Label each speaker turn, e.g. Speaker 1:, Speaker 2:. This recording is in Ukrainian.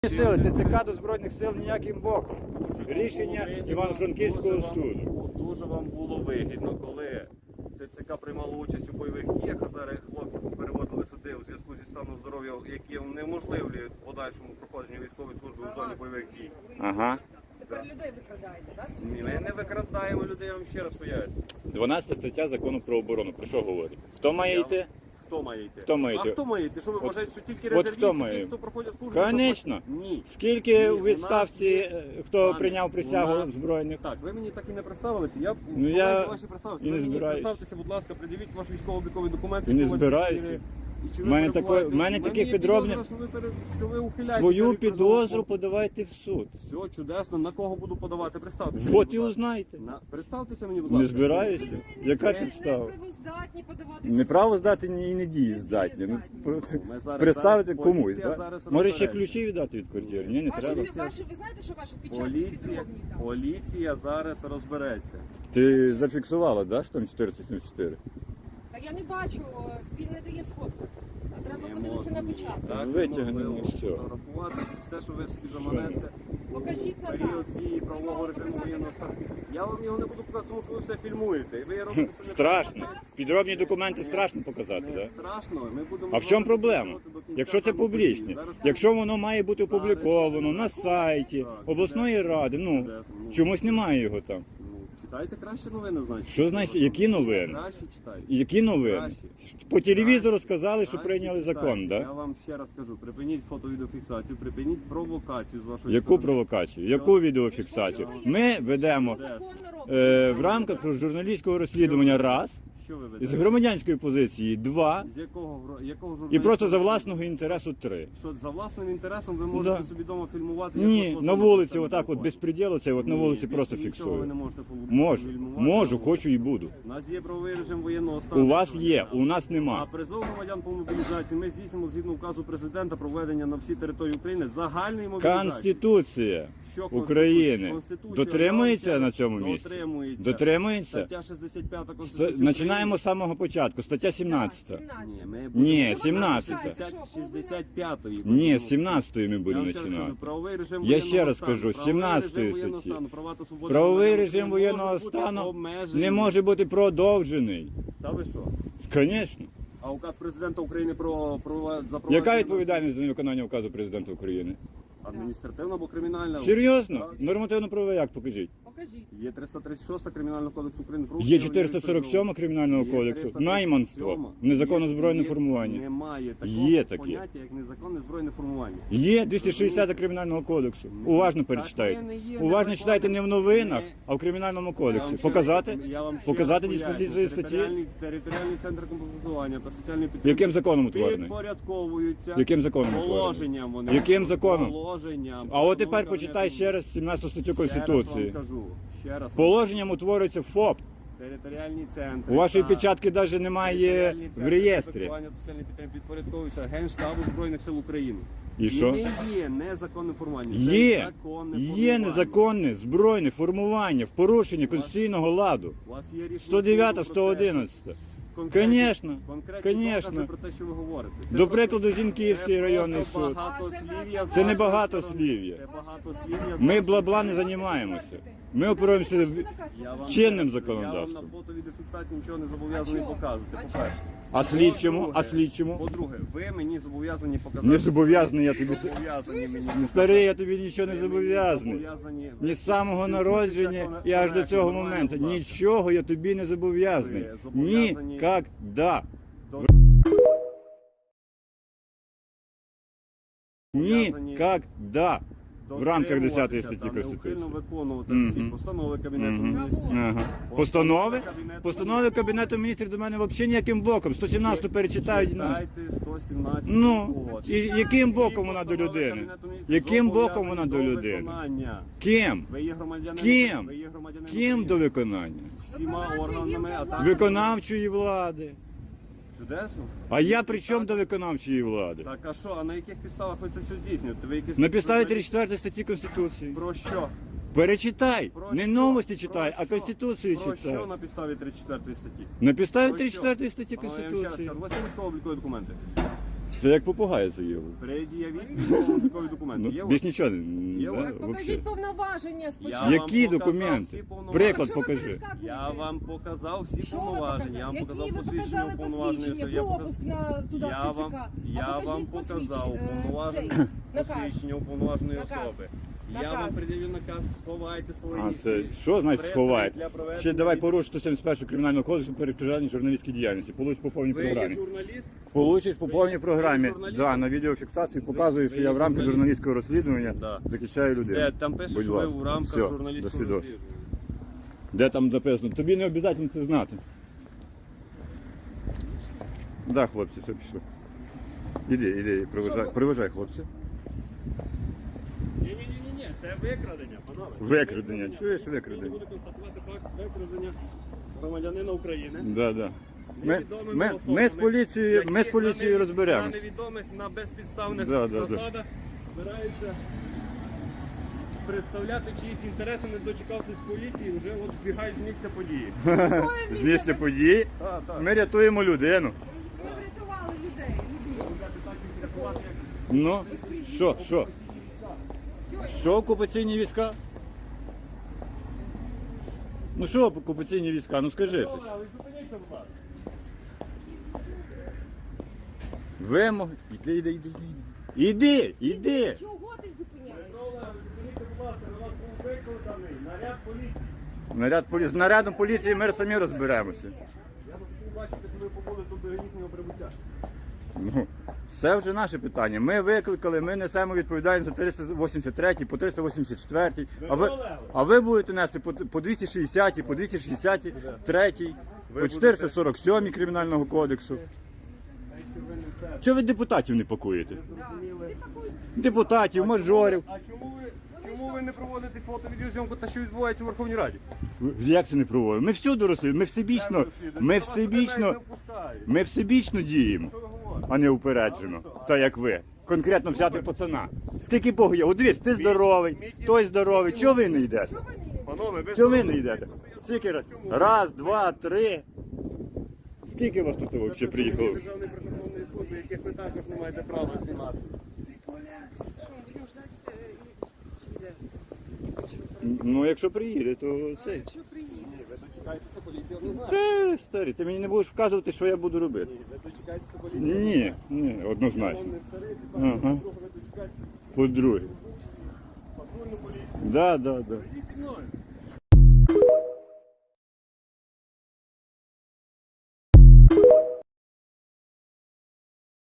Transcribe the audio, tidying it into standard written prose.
Speaker 1: Сили, ТЦК до Збройних сил ніяким боком. Рішення Івано-Франківського суду.
Speaker 2: Дуже вам було вигідно, коли ТЦК приймало участь у бойових діях, а зараз хлопців переводили сюди у зв'язку зі станом здоров'я, які унеможливлюють подальшому проходженню військової служби у зоні бойових дій.
Speaker 1: Ага.
Speaker 3: Тепер людей викрадаєте, так?
Speaker 2: Ні, ми не викрадаємо людей, я вам ще раз поясню.
Speaker 1: 12 стаття Закону про оборону. Про що говорить? Хто має йти?
Speaker 2: Хто має йти?
Speaker 1: Хто має йти?
Speaker 2: А хто має йти? Що ви
Speaker 1: От-
Speaker 2: вважаєте, що тільки
Speaker 1: от
Speaker 2: резервісти,
Speaker 1: хто має?
Speaker 2: ті, хто проходять службу?
Speaker 1: Конечно.
Speaker 2: Ні.
Speaker 1: Скільки у
Speaker 2: Ні,
Speaker 1: відставці, хто
Speaker 2: Пане,
Speaker 1: прийняв присягу
Speaker 2: у нас-
Speaker 1: збройних?
Speaker 2: Так, ви мені так і не представилися. Я
Speaker 1: Ну, я
Speaker 2: ваші представилися.
Speaker 1: і не
Speaker 2: Ви мені
Speaker 1: збираюсь.
Speaker 2: представтеся, будь ласка, придивіть ваш військово-обліковий документ.
Speaker 1: І не
Speaker 2: якщо у вас
Speaker 1: збираюся.
Speaker 2: є. І чи
Speaker 1: В
Speaker 2: ви
Speaker 1: мене
Speaker 2: перебуваєте?
Speaker 1: в мене
Speaker 2: У
Speaker 1: таких
Speaker 2: є
Speaker 1: підробних-
Speaker 2: підозра, що ви ухиляєтеся
Speaker 1: Свою
Speaker 2: від
Speaker 1: підозру
Speaker 2: призову.
Speaker 1: подавайте в суд.
Speaker 2: Все чудесно. На кого буду подавати? Представтеся.
Speaker 1: От
Speaker 2: будь
Speaker 1: і
Speaker 2: ласка.
Speaker 1: узнайте.
Speaker 2: Представтеся мені, будь
Speaker 1: Не
Speaker 2: ласка.
Speaker 1: збираюся. Яка
Speaker 3: Ви
Speaker 1: підстава?
Speaker 3: не правоздатні подавати.
Speaker 1: Не право здати і не дієздатні. Ну,
Speaker 2: Ми зараз-
Speaker 1: представити
Speaker 2: зараз
Speaker 1: комусь.
Speaker 2: поліція
Speaker 1: Да?
Speaker 2: зараз
Speaker 1: Може ще
Speaker 2: розбереться.
Speaker 1: ключі віддати від квартири? Ні, не
Speaker 3: Ваші,
Speaker 1: треба.
Speaker 3: ви знаєте, що ваші печатки
Speaker 2: Поліція,
Speaker 3: підробні там?
Speaker 2: поліція зараз розбереться.
Speaker 1: Ти зафіксувала, да, що там 474?
Speaker 3: Та я не бачу, він не дає сфотку. А треба
Speaker 2: Не
Speaker 3: подивитися
Speaker 2: можна.
Speaker 3: на печатку.
Speaker 2: Так,
Speaker 1: Витягнемо
Speaker 2: неможливо
Speaker 1: все.
Speaker 2: фотографувати все, що ви собі заманете.
Speaker 3: Покажіть на
Speaker 2: Період
Speaker 3: нас.
Speaker 2: дії правового режиму воєнного стану. Я вам його не буду показати, тому що ви все фільмуєте. І ви робите це не
Speaker 1: Страшно. Підробні документи страшно показати,
Speaker 2: Не
Speaker 1: так?
Speaker 2: страшно. Ми будемо
Speaker 1: А в чому
Speaker 2: з вами
Speaker 1: проблема?
Speaker 2: працювати до кінця
Speaker 1: Якщо це
Speaker 2: самого
Speaker 1: публічне,
Speaker 2: події. Зараз
Speaker 1: якщо воно має бути опубліковано на сайті обласної ради, ну чомусь немає його там.
Speaker 2: Ну, читайте краще новини, значить.
Speaker 1: Що значить, які новини?
Speaker 2: Краще читайте.
Speaker 1: Які новини?
Speaker 2: Краще.
Speaker 1: По телевізору сказали, що
Speaker 2: Краще
Speaker 1: прийняли
Speaker 2: читайте.
Speaker 1: закон,
Speaker 2: Я
Speaker 1: так?
Speaker 2: вам ще раз кажу, припиніть фото-відеофіксацію, припиніть провокацію з вашої
Speaker 1: Яку
Speaker 2: сторони.
Speaker 1: провокацію? Яку відеофіксацію? Ми ведемо в рамках журналістського розслідування раз,
Speaker 2: Що ви
Speaker 1: з
Speaker 2: ведете?
Speaker 1: громадянської позиції два,
Speaker 2: З якого
Speaker 1: і
Speaker 2: журналістського-
Speaker 1: просто за власного інтересу три.
Speaker 2: Що за власним інтересом ви можете
Speaker 1: Да.
Speaker 2: собі вдома фільмувати? як
Speaker 1: Ні,
Speaker 2: вас
Speaker 1: на
Speaker 2: особисто
Speaker 1: вулиці
Speaker 2: себе
Speaker 1: отак от
Speaker 2: телефон?
Speaker 1: безпреділу, це от на
Speaker 2: Ні,
Speaker 1: вулиці
Speaker 2: більше
Speaker 1: просто
Speaker 2: нічого ви не
Speaker 1: фіксую.
Speaker 2: можете
Speaker 1: Можу,
Speaker 2: фільмувати.
Speaker 1: можу, хочу і буду.
Speaker 2: У нас є правовий режим воєнного стану.
Speaker 1: У вас є, у нас
Speaker 2: А
Speaker 1: нема.
Speaker 2: призов громадян по мобілізації ми здійснимо згідно указу президента проведення на всій території України загальної мобілізації.
Speaker 1: Конституція
Speaker 2: Що Конституція?
Speaker 1: України
Speaker 2: Конституція,
Speaker 1: дотримується
Speaker 2: я вам
Speaker 1: на
Speaker 2: ще
Speaker 1: цьому
Speaker 2: раз-
Speaker 1: місці?
Speaker 2: Дотримується.
Speaker 1: Дотримується?
Speaker 2: Стаття 65 Конституції.
Speaker 1: Починаємо з самого початку. Стаття 17.
Speaker 2: Ні, ми
Speaker 1: Ні,
Speaker 2: будемо
Speaker 1: 17.
Speaker 2: 65-ї.
Speaker 1: Ні, з 17-ї ми
Speaker 2: Я
Speaker 1: будемо
Speaker 2: вам ще раз
Speaker 1: починати.
Speaker 2: кажу, правовий режим
Speaker 1: Я
Speaker 2: воєнного
Speaker 1: ще раз
Speaker 2: стану,
Speaker 1: кажу, з
Speaker 2: правовий
Speaker 1: 17-ї
Speaker 2: режим воєнного
Speaker 1: статті.
Speaker 2: стану, права та свободи
Speaker 1: Правовий
Speaker 2: громадян
Speaker 1: режим
Speaker 2: не
Speaker 1: воєнного
Speaker 2: можуть бути
Speaker 1: стану
Speaker 2: обмежені.
Speaker 1: не може бути продовжений.
Speaker 2: Та ви що?
Speaker 1: Звісно.
Speaker 2: А указ президента України про запровадження...
Speaker 1: Яка відповідальність за невиконання указу президента України?
Speaker 2: Адміністративна або кримінальна?
Speaker 1: Серйозно?
Speaker 2: Так.
Speaker 1: Нормативно-правовий акт покажіть.
Speaker 3: Покажіть.
Speaker 2: Є 336 Кримінального кодексу України. про
Speaker 1: Є
Speaker 2: вчинення
Speaker 1: 447 кримінального
Speaker 2: Є
Speaker 1: кодексу.
Speaker 2: 337.
Speaker 1: Найманство. Незаконне збройне
Speaker 2: Є-
Speaker 1: формування.
Speaker 2: Немає такого
Speaker 1: Є таке.
Speaker 2: поняття, як незаконне збройне формування.
Speaker 1: Є 260 кримінального кодексу. Уважно перечитайте.
Speaker 2: Так, не є
Speaker 1: Уважно
Speaker 2: незаконне.
Speaker 1: читайте не в новинах,
Speaker 2: Не-
Speaker 1: а в кримінальному
Speaker 2: Я
Speaker 1: кодексі.
Speaker 2: вам ще
Speaker 1: Показати?
Speaker 2: раз- я вам ще
Speaker 1: Показати
Speaker 2: раз
Speaker 1: диспозицію
Speaker 2: поясню.
Speaker 1: статті?
Speaker 2: Територіальний центр комплектування та соціальної підтримки.
Speaker 1: Яким законом утворений?
Speaker 2: Підпорядковуються
Speaker 1: Яким законом утворений?
Speaker 2: положенням вони.
Speaker 1: Яким законом?
Speaker 2: Положенням.
Speaker 1: А от тепер
Speaker 2: Постанови
Speaker 1: почитай
Speaker 2: Кабінету
Speaker 1: ще раз 17 статтю
Speaker 2: Міністрів.
Speaker 1: Конституції.
Speaker 2: Ще раз вам кажу. Ще раз. вам
Speaker 1: Положенням утворюється ФОП.
Speaker 2: Територіальні центри.
Speaker 1: У вашої
Speaker 2: та
Speaker 1: печатки навіть немає
Speaker 2: територіальні
Speaker 1: в
Speaker 2: центри
Speaker 1: реєстрі.
Speaker 2: комплектування та соціальної підтримки підпорядковуються Генштабу Збройних сил України.
Speaker 1: І що?
Speaker 2: Не є незаконне формування.
Speaker 1: Є.
Speaker 2: Це законне
Speaker 1: Є
Speaker 2: формування.
Speaker 1: незаконне збройне формування в порушенні конституційного ладу.
Speaker 2: У вас є рішення
Speaker 1: 109,
Speaker 2: суду про це.
Speaker 1: 111.
Speaker 2: Конкретні-
Speaker 1: Конечно,
Speaker 2: конкретні
Speaker 1: конечно.
Speaker 2: докази про те, що ви говорите. Це
Speaker 1: До
Speaker 2: просто-
Speaker 1: прикладу, Зінківський
Speaker 2: це
Speaker 1: районний
Speaker 2: просто
Speaker 1: суд.
Speaker 2: багатослів'я з
Speaker 1: Це не
Speaker 2: вашої
Speaker 1: багатослів'я.
Speaker 2: сторони. Це багатослів'я з
Speaker 1: Ми
Speaker 2: вашої
Speaker 1: бла-бла не
Speaker 2: сторони.
Speaker 1: займаємося. Ми опираємося в
Speaker 2: Я вам
Speaker 1: чинним
Speaker 2: Я
Speaker 1: законодавством.
Speaker 2: вам на фото відеофіксації нічого не зобов'язаний
Speaker 3: А чого?
Speaker 2: показувати.
Speaker 3: А
Speaker 2: По-перше.
Speaker 1: А слідчому? А
Speaker 2: По-друге,
Speaker 1: слідчому?
Speaker 2: По-друге, ви мені зобов'язані показати.
Speaker 1: Не зобов'язаний я тобі.
Speaker 2: Зобов'язані мені.
Speaker 1: Старий, я тобі нічого не
Speaker 2: Ви мені
Speaker 1: зобов'язаний.
Speaker 2: зобов'язані-
Speaker 1: Ні з самого
Speaker 2: Спілкуйтеся
Speaker 1: народження і аж до
Speaker 2: коректно,
Speaker 1: цього
Speaker 2: нормально,
Speaker 1: моменту.
Speaker 2: будь ласка.
Speaker 1: Нічого я тобі не зобов'язаний.
Speaker 2: Ви зобов'язані-
Speaker 1: Нікогда.
Speaker 2: До-
Speaker 1: Нікогда. В рамках 10
Speaker 2: дотримуватися
Speaker 1: статті
Speaker 2: та
Speaker 1: Конституції.
Speaker 2: неухильно виконувати
Speaker 1: Мгм.
Speaker 2: всі постанови Кабінету
Speaker 1: Мгм.
Speaker 2: Міністрів.
Speaker 1: Ага. Постанови? Постанови Кабінету міністрів до мене взагалі ніяким боком. 117 перечитають. Ну.
Speaker 2: Читайте 117
Speaker 1: Ну,
Speaker 2: угод.
Speaker 1: і яким боком
Speaker 2: Всі
Speaker 1: вона до
Speaker 2: постанови
Speaker 1: людини?
Speaker 2: Кабінету Міністрів
Speaker 1: Яким боком вона до
Speaker 2: зобов'язані
Speaker 1: людини?
Speaker 2: виконання.
Speaker 1: Ким?
Speaker 2: Ви є громадянин.
Speaker 1: Ким?
Speaker 2: Ви є громадянин
Speaker 1: Ким до
Speaker 2: України.
Speaker 1: виконання?
Speaker 2: Всіма
Speaker 3: Виконавча
Speaker 2: органами,
Speaker 3: гілка
Speaker 2: а так
Speaker 3: влади.
Speaker 1: Виконавчої влади.
Speaker 2: чудесно.
Speaker 1: А я при чому до виконавчої влади?
Speaker 2: Так, а що, а на яких підставах ви це все здійснюєте? Ви якісь
Speaker 1: На підставі
Speaker 2: журналіст?
Speaker 1: 34 статті Конституції.
Speaker 2: Про що?
Speaker 1: Перечитай.
Speaker 2: Про
Speaker 1: Не
Speaker 2: що?
Speaker 1: новості
Speaker 2: Про
Speaker 1: читай, а
Speaker 2: що?
Speaker 1: Конституцію
Speaker 2: Про
Speaker 1: читай.
Speaker 2: що на підставі 34 статті?
Speaker 1: На підставі
Speaker 2: Про що?
Speaker 1: 34 статті
Speaker 2: Я вам ще раз
Speaker 1: Конституції.
Speaker 2: кажу, у вас є військово-облікові документи?
Speaker 1: Це як попугай заявив.
Speaker 2: Пред'явіть військово-облікові документи.
Speaker 1: Ну,
Speaker 2: Є у
Speaker 1: більш
Speaker 2: вас?
Speaker 1: нічого.
Speaker 2: Є у
Speaker 1: Да,
Speaker 2: вас?
Speaker 3: Так
Speaker 1: вообще.
Speaker 3: покажіть повноваження спочатку.
Speaker 2: Я вам
Speaker 1: Які
Speaker 2: показав
Speaker 1: документи?
Speaker 2: всі повноваження.
Speaker 1: Приклад
Speaker 3: Чого ви
Speaker 1: покажи.
Speaker 3: перескакуєте?
Speaker 2: Я вам показав всі
Speaker 3: Що ви
Speaker 2: повноваження, я вам
Speaker 3: показали?
Speaker 2: показав
Speaker 3: Які ви
Speaker 2: посвідчення
Speaker 3: показали
Speaker 2: уповноваженої особи.
Speaker 3: посвідчення, пропуск на туди,
Speaker 2: Я
Speaker 3: в
Speaker 2: вам,
Speaker 3: ТЦК?
Speaker 2: я
Speaker 3: А
Speaker 2: вам
Speaker 3: покажіть
Speaker 2: показав
Speaker 3: посвідчення,
Speaker 2: уповноважене
Speaker 3: цей, наказ.
Speaker 2: посвідчення уповноваженої
Speaker 3: Наказ.
Speaker 2: особи. Я
Speaker 3: Наказ.
Speaker 2: вам пред'явив наказ, сховайте свої.
Speaker 1: А це що значить
Speaker 2: пристрої
Speaker 1: сховаєте?
Speaker 2: для проведення
Speaker 1: Ще давай
Speaker 2: відео-
Speaker 1: поруч 171 кримінального кодексу перешкоджання журналістській діяльності. Получиш по повній
Speaker 2: Ви є
Speaker 1: програмі.
Speaker 2: журналіст?
Speaker 1: Получиш по повній
Speaker 2: Ви
Speaker 1: програмі.
Speaker 2: журналіст?
Speaker 1: Да, на відеофіксацію показую, що
Speaker 2: ви
Speaker 1: я в рамках
Speaker 2: журналіст?
Speaker 1: журналістського розслідування
Speaker 2: Да.
Speaker 1: захищаю людей.
Speaker 2: Там пише,
Speaker 1: Будь
Speaker 2: що ви
Speaker 1: ласка.
Speaker 2: в рамках
Speaker 1: Все, до
Speaker 2: журналістського
Speaker 1: свідоцтва.
Speaker 2: розслідування.
Speaker 1: Де там написано? Тобі не обов'язково це знати. Да, хлопці, все пішло. Іди, проважай хлопці.
Speaker 2: Ні, це викрадення, панове.
Speaker 1: Викрадення, чуєш
Speaker 2: Ми
Speaker 1: викрадення?
Speaker 2: будемо констатувати факт викрадення громадянина України.
Speaker 1: Да, да.
Speaker 2: Невідомими
Speaker 1: Ми
Speaker 2: особами,
Speaker 1: з поліцією, ми з
Speaker 2: які
Speaker 1: поліцією
Speaker 2: на
Speaker 1: розберемось.
Speaker 2: невідомих, на безпідставних
Speaker 1: Да, да, да.
Speaker 2: засадах збираються представляти чиїсь інтереси, не дочекавшись поліції, вже от збігають з місця події.
Speaker 1: З місця події
Speaker 2: Так.
Speaker 1: ми рятуємо людину.
Speaker 3: Ми врятували людей.
Speaker 1: Ну, що? Що окупаційні війська? Ну що окупаційні війська? Ну скажи щось. Вимоги. Іди.
Speaker 3: Чого ти зупиняєш?
Speaker 1: Наряд поліції. З нарядом поліції ми самі розберемося.
Speaker 2: Я хочу бачити, що ви побули тут до їхнього прибуття.
Speaker 1: Ну, це вже наше питання. Ми викликали, ми несемо відповідальність за 383, по 384, а ви будете нести по 260, по 263, по 447 Кримінального кодексу. Чого ви депутатів не пакуєте?
Speaker 3: Да. Ти пакуй.
Speaker 1: Депутатів, мажорів.
Speaker 2: А чому ви не проводите фото-відеозйомку та що відбувається в Верховній Раді?
Speaker 1: Як це не проводимо? Ми всюди розслідуємо, ми всебічно діємо,
Speaker 2: Що ви говорите?
Speaker 1: а не упереджено, так як ви. Конкретно взяти пацана. Скільки Богу є? От дивись, ти здоровий, той здоровий. Чого ви не йдете?
Speaker 3: Чого ви не
Speaker 2: Панове, ви
Speaker 1: Чого ви не йдете? Скільки раз? Раз, два, три. Скільки вас тут взагалі приїхало?
Speaker 2: Державної прикордонної служби, яких ви також не маєте права знімати.
Speaker 3: Що, будемо ждати, чи йде?
Speaker 1: Ну, якщо приїде, то цей.
Speaker 3: Якщо приїде.
Speaker 2: Ви дочекаєтеся поліції однозначно.
Speaker 1: Та, старий, ти мені не будеш вказувати, що я буду робити.
Speaker 2: Ви дочекаєтеся поліції.
Speaker 1: Ні, однозначно.
Speaker 2: Вам не старий,
Speaker 1: Ага.
Speaker 2: по-друге, ви дочекаєтеся
Speaker 1: По-друге.
Speaker 2: патрульну поліцію.
Speaker 1: Да.
Speaker 2: Йдіть зі мною.